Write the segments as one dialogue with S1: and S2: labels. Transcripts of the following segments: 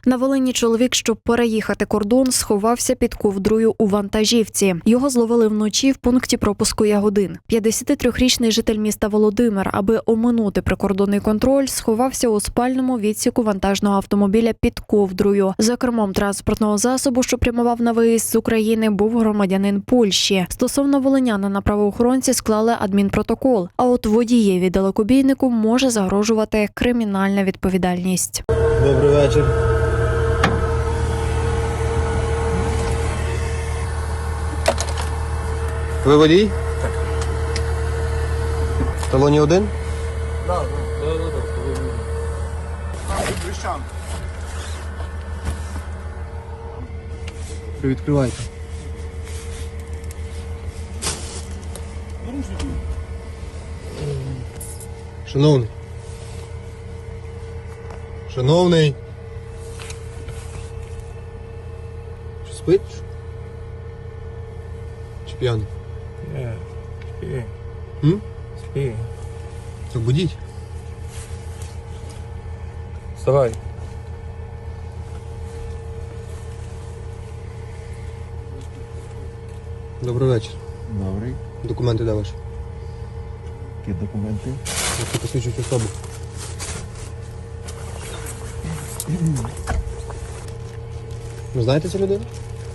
S1: На Волині чоловік, щоб переїхати кордон, сховався під ковдрою у вантажівці. Його зловили вночі в пункті пропуску Ягодин. 53-річний житель міста Володимир, аби оминути прикордонний контроль, сховався у спальному відсіку вантажного автомобіля під ковдрою. За кермом транспортного засобу, що прямував на виїзд з України, був громадянин Польщі. Стосовно волинянина правоохоронці склали адмінпротокол, а от водієві далекобійнику може загрожувати кримінальна відповідальність.
S2: Добрий вечір. Ви водій?
S3: Так.
S2: В талоні один?
S3: Так.
S2: Привідкривайте. Шановний. Шановний. Що, спить? Чи п'яний?
S3: Спи.
S2: М?
S3: Спи.
S2: Так будіть.
S3: Вставай.
S2: Добрий вечір.
S4: Добрий.
S2: Документи де ваші?
S4: Які документи?
S2: Які посвідчують особу. Ви знаєте цю людину?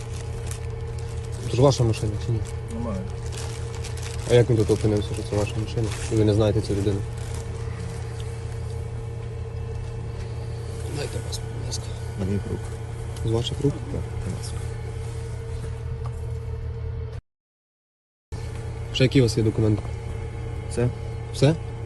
S2: Це ж ваша машина, чи ні?
S3: Немає.
S2: А як він тут опинився, що це ваша машина? І ви не знаєте цю людину? Дайте вас, будь ласка.
S4: Моїх рук.
S2: З ваших рук?
S4: Так, будь ласка.
S2: Ще які у вас є документи?
S4: Це?
S2: Все?